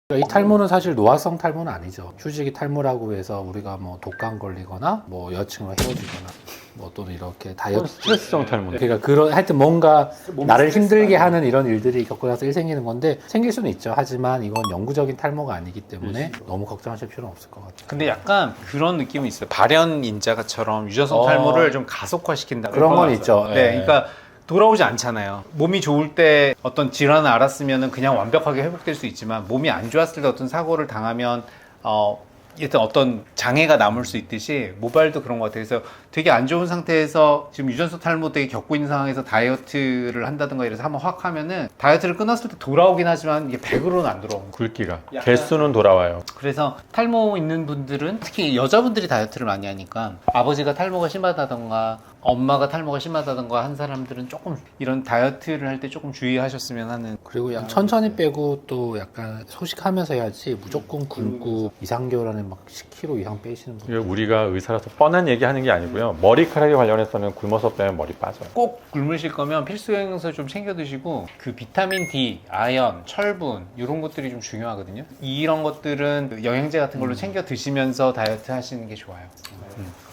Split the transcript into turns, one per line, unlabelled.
이 탈모는 사실 노화성 탈모는 아니죠. 휴지기 탈모라고 해서 우리가 뭐 독감 걸리거나 뭐 여자친구랑 헤어지거나 뭐 또는 이렇게 다이어트
스트레스성 탈모.
그러니까 그런 하여튼 뭔가 나를 힘들게 하는 이런 일들이 겪고 나서 일 생기는 건데 생길 수는 있죠. 하지만 이건 영구적인 탈모가 아니기 때문에 너무 걱정하실 필요는 없을 것 같아요.
근데 약간 그런 느낌은 있어요. 발현인자가처럼 유전성 탈모를 좀 가속화시킨다.
그런 건 있죠.
네, 그러니까 돌아오지 않잖아요. 몸이 좋을 때 어떤 질환을 알았으면 그냥 완벽하게 회복될 수 있지만 몸이 안 좋았을 때 어떤 사고를 당하면 일단 어떤 장애가 남을 수 있듯이 모발도 그런 것 같아요. 그래서 되게 안 좋은 상태에서 지금 유전성 탈모 되게 겪고 있는 상황에서 다이어트를 한다든가 이래서 한번 확 하면은 다이어트를 끊었을 때 돌아오긴 하지만 이게 100으로는 안 돌아오는 거예요.
굵기가 개수는 돌아와요.
그래서 탈모 있는 분들은 특히 여자분들이 다이어트를 많이 하니까 아버지가 탈모가 심하다던가 엄마가 탈모가 심하다던가 한 사람들은 조금 이런 다이어트를 할 때 조금 주의하셨으면 하는.
그리고 약간 천천히 빼고 또 약간 소식하면서 해야지 무조건 굶고 2, 3개월 안에 막 10kg 이상 빼시는 분.
이거 우리가 의사라서 뻔한 얘기하는 게 아니고요. 머리카락에 관련해서는 굶어서 빼면 머리 빠져요.
꼭 굶으실 거면 필수 영양소 좀 챙겨 드시고 그 비타민 D, 아연, 철분 이런 것들이 좀 중요하거든요. 이런 것들은 영양제 같은 걸로 챙겨 드시면서 다이어트 하시는 게 좋아요.